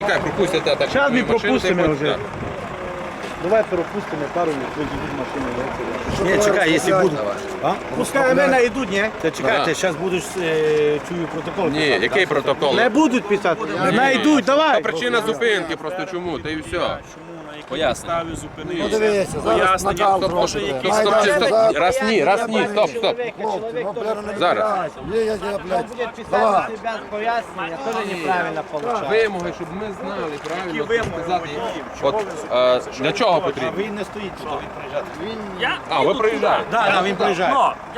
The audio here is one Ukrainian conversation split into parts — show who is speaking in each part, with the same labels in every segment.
Speaker 1: Чекай, пропустите так.
Speaker 2: Зараз ми
Speaker 1: машину,
Speaker 2: пропустимо
Speaker 1: ти
Speaker 2: вже.
Speaker 1: хочеш,
Speaker 2: Давай пропустимо пару минут, вийдуть машину.
Speaker 3: Ні, чекай, якщо будуть.
Speaker 2: Пускай мене йдуть, ні?
Speaker 3: Та чекайте, зараз будуть чую протокол.
Speaker 1: Ні, який протокол?
Speaker 2: Не будуть писати. Не йдуть, давай.
Speaker 1: Причина зупинки, просто чому, та і все.
Speaker 4: Пояснення.
Speaker 5: Ну дивися, зараз накал зробити.
Speaker 1: Стоп, раз ні, стоп. Зараз.
Speaker 5: Є, я, блядь.
Speaker 6: Будет писать
Speaker 5: Давай.
Speaker 6: на себя пояснення, тоже неправильно получается.
Speaker 1: Вимоги, щоб ми знали правильно сказати. От для чого потрібно?
Speaker 2: Він не стоїть тут.
Speaker 1: А, ви приїжджаєте.
Speaker 2: Так, він приїжджає.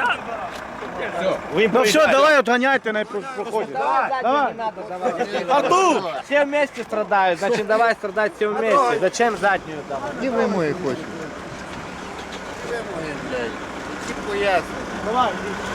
Speaker 2: Ну все, давай отганяйте, не проходить.
Speaker 6: Давай. Не надо давать.
Speaker 2: А тут?
Speaker 6: Все вместе страдают, значит давай страдать все вместе. Зачем заднюю там?
Speaker 5: І ви мої хочете. Ви мої, блядь. Ті поясни.
Speaker 2: Давай.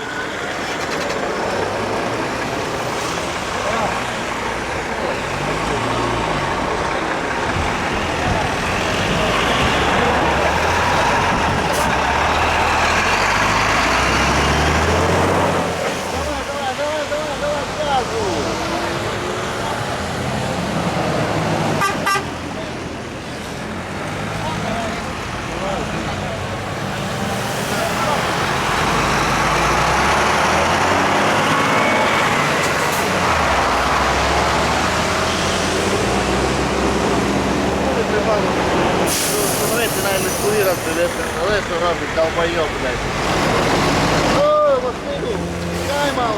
Speaker 5: Смотрите, навіть не сповірати, але що робить, долбойоб, блядь. О, Василю, чекай, мав.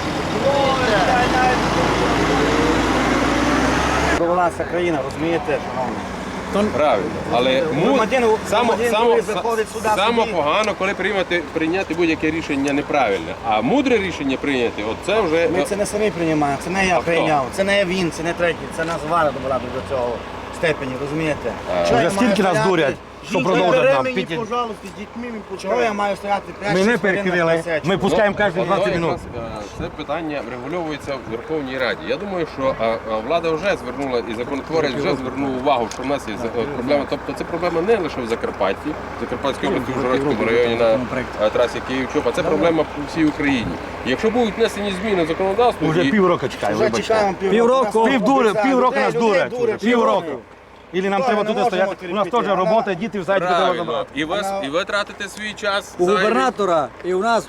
Speaker 2: Провелася країна, розумієте, шановні?
Speaker 1: Правильно, але
Speaker 2: Громадян заходить сюди,
Speaker 1: саме
Speaker 2: собі.
Speaker 1: погано, коли прийняти будь-яке рішення неправильне. А мудре рішення прийняти, от це вже...
Speaker 3: Ми це не самі приймаємо, це не я
Speaker 1: хто?
Speaker 3: прийняв, це не він, це не третій, це нас вара добра до цього степені, розумієте?
Speaker 2: Вже скільки нас дурять, що продовжать нам?
Speaker 3: Піти.
Speaker 2: Пожалуйста, з дітьми ми
Speaker 3: Чого я маю стояти прямо?
Speaker 2: Ми не перекрили, ми пускаємо кожні 20
Speaker 1: Воно
Speaker 2: минут.
Speaker 1: якраз, Це питання врегульовується в Верховній Раді. Я думаю, що влада вже звернула і законотворець вже звернув увагу, що в нас є проблема. Тобто це проблема не лише в Закарпатті, в Закарпатській області, в Ужгородському районі на трасі Київ-Чоп, а це проблема по всій Україні. І якщо будуть внесені зміни в законодавство,
Speaker 2: Уже
Speaker 1: і-
Speaker 2: півроку чекаємо,
Speaker 3: Вже
Speaker 2: вибачте.
Speaker 3: чекаємо
Speaker 2: Півроку нас
Speaker 3: Людей
Speaker 2: дурять.
Speaker 3: дурять,
Speaker 2: Півроку. Ілі нам
Speaker 3: Ми
Speaker 2: треба
Speaker 3: не
Speaker 2: тут
Speaker 3: можемо
Speaker 2: стояти. У нас
Speaker 3: терпіти.
Speaker 2: теж робота, діти в саді треба
Speaker 1: правильно,
Speaker 2: забрати.
Speaker 1: і ви тратите свій час.
Speaker 7: У
Speaker 1: зайвий.
Speaker 7: губернатора і у нас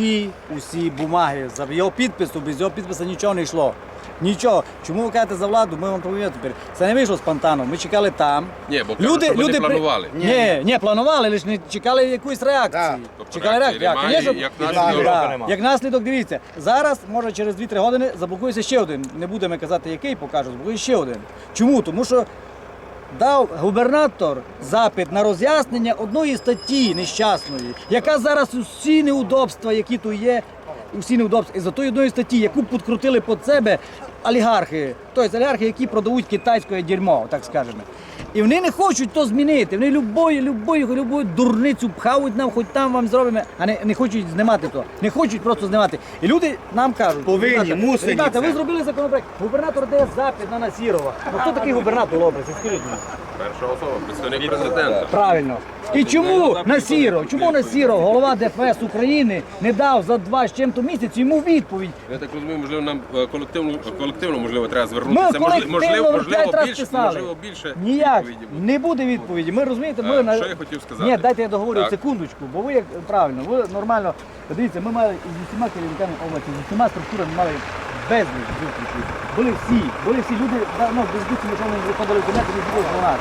Speaker 7: усі бумаги, за його підпису, без його підпису нічого не йшло. Нічого. Чому ви кажете за владу? Ми вам повідомляємо тепер. Це не вийшло спонтанно. Ми чекали там.
Speaker 1: Ні, бо кажуть, що ви не планували.
Speaker 7: Ні, планували, лише не чекали якоїсь реакції.
Speaker 1: Тобто
Speaker 7: Чекали
Speaker 1: реакції
Speaker 7: реакції.
Speaker 1: немає, як наслідок.
Speaker 7: Да. Як наслідок, дивіться, зараз, може через 2-3 години заблокується ще один. Не будемо казати, який покажу, заблокується ще один. Чому? Тому що дав губернатор запит на роз'яснення одної статті нещасної, яка зараз усі неудобства, які тут є, усі неудобства, із-за тої одної статті, яку підкрутили під себе олігархи, тобто олігархи, які продають китайське дерьмо, так скажемо. І вони не хочуть то змінити, вони любою дурницю пхають нам, хоч там вам зробимо, а не хочуть знімати то, не хочуть просто знімати. І люди нам кажуть,
Speaker 2: Повинні, мусять
Speaker 7: ребята,
Speaker 2: це.
Speaker 7: ви зробили законопроект, губернатор дає запит на Насірова. Ну хто такий губернатор образ, скажіть мені?
Speaker 1: Перша особа, представник президента.
Speaker 7: Правильно. І чому Насіров, голова ДФС України, не дав за 2 з чим-то місяць йому відповідь?
Speaker 1: Я так розумію, можливо, нам колективно можливо, треба звернутися.
Speaker 7: Ми колективно 5 разів писали.
Speaker 1: Можливо, більше
Speaker 7: Ніяк,
Speaker 1: відповіді буде.
Speaker 7: не буде відповіді. Ми розумієте, ми...
Speaker 1: Що я хотів сказати?
Speaker 7: Ні, дайте я договорю
Speaker 1: Так.
Speaker 7: секундочку, бо ви як правильно, ви нормально. Дивіться, ми мали з усіма керівниками області, з усіма структурами мали безліч зустрічей. Були всі люди, ну, без дітей, що вони виходили в кабінет, і було 12.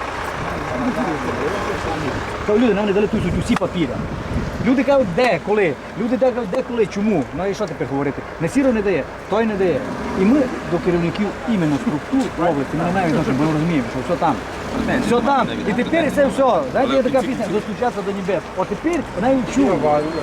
Speaker 7: То люди, нам не дали тут усі папіри. Люди кажуть, де, коли? Люди кажуть, де, коли, чому? Ну і що тепер говорити? Насіров не дає, той не дає. І ми до керівників іменно структур області, ми не маємо відношення, бо ми розуміємо, що все там. Все там. І тепер це все. Знаєте, є така пісня, достучатися до небес. От тепер вона і чує.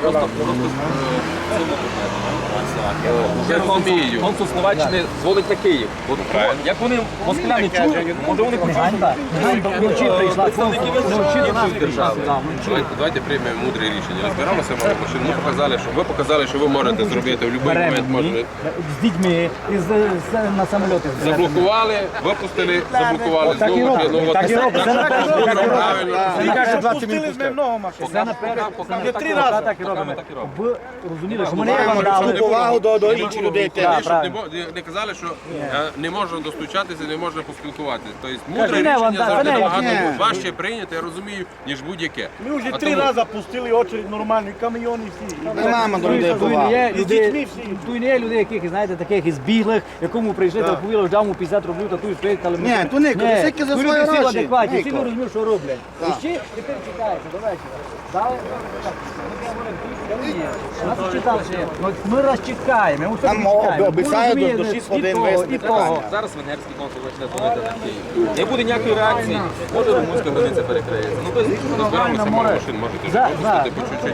Speaker 1: Я розумію.
Speaker 4: Консул Словаччини зводить на Київ. От, як вони москаляни чують, може вони почують.
Speaker 7: Ганьба вночі прийшла, вночі до нас прийшла сюди, вночі.
Speaker 1: Давайте приймемо мудре рішення. Розбиралися машину. Ви показали, що ви можете зробити в будь-який момент. Можете.
Speaker 7: З дітьми, на самоліти.
Speaker 1: Заблокували, випустили, заблокували
Speaker 7: Так і
Speaker 1: знову.
Speaker 7: робимо.
Speaker 1: Ну, от
Speaker 7: Так і робить, це на першому етапі робить.
Speaker 1: Правильно.
Speaker 2: Тільки що
Speaker 3: 20
Speaker 2: пустили з ним много машин.
Speaker 7: Це на першому
Speaker 2: Вже 3 рази.
Speaker 7: так і робимо.
Speaker 4: Так і робимо.
Speaker 7: Ви розуміли, що мене
Speaker 1: Маємо
Speaker 7: вам дали.
Speaker 3: Повагу до інших людей теж.
Speaker 1: Щоб
Speaker 7: правильно.
Speaker 1: не казали, що не можна достучатися, не можна поспілкуватися. Тобто
Speaker 7: Кажи,
Speaker 1: мудре
Speaker 7: не, вон,
Speaker 1: рішення
Speaker 7: да,
Speaker 1: завжди
Speaker 7: це не,
Speaker 1: набагато
Speaker 3: ні.
Speaker 1: важче прийняти, я розумію, ніж будь-яке.
Speaker 2: Ми вже
Speaker 1: А
Speaker 2: 3
Speaker 1: тому-
Speaker 2: рази пустили очередь нормальні, камйони всі.
Speaker 3: Нема до людей поваги.
Speaker 2: І з дітьми всі.
Speaker 7: Тут не є людей, яких, знаєте, таких із біглих, якому прийшли, та повіли, дав йому 50 рублів, та тут стоїть, але...
Speaker 3: Ні, то Нико, це тільки за
Speaker 7: тут
Speaker 3: свої
Speaker 7: люди всі
Speaker 3: гроші.
Speaker 7: адекватні, всі
Speaker 3: Нико.
Speaker 7: не розуміють, що роблять. І ще тепер чекається до вечора. Дали, так, нас читали, що є. Ну, ми раз чекаємо, ми
Speaker 3: Там обіцяють до 6 годин вести
Speaker 7: і того.
Speaker 4: Зараз венгерський консул почне дзвонити на Київ. Не буде ніякої реакції, може румунська границя перекриється. Ну, без
Speaker 1: Збираємося мало машин, можете ж випустити по чуть-чуть.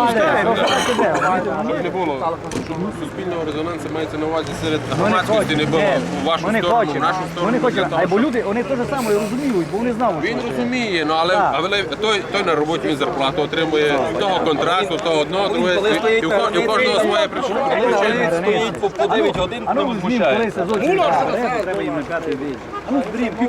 Speaker 1: Щоб не було, щоб суспільного резонансу мається на увазі серед громадськості не було у вашу
Speaker 7: Вони
Speaker 1: сторону, в
Speaker 7: хочуть,
Speaker 1: нашу сторону.
Speaker 7: вони
Speaker 1: для
Speaker 7: хочуть,
Speaker 1: того,
Speaker 7: а бо
Speaker 1: щоб-
Speaker 7: люди, вони те саме розуміють, бо вони знають.
Speaker 1: Він розуміє, ну але той на роботі він зарплату отримує, того контракту, того одного, другого, і у кожного своя причина.
Speaker 4: стоїть по 9 годин,
Speaker 7: А ну,
Speaker 4: не
Speaker 7: візьміть,
Speaker 4: возмущає.
Speaker 7: коли сезон, треба їм на п'ятий бій. А ну, зберіть,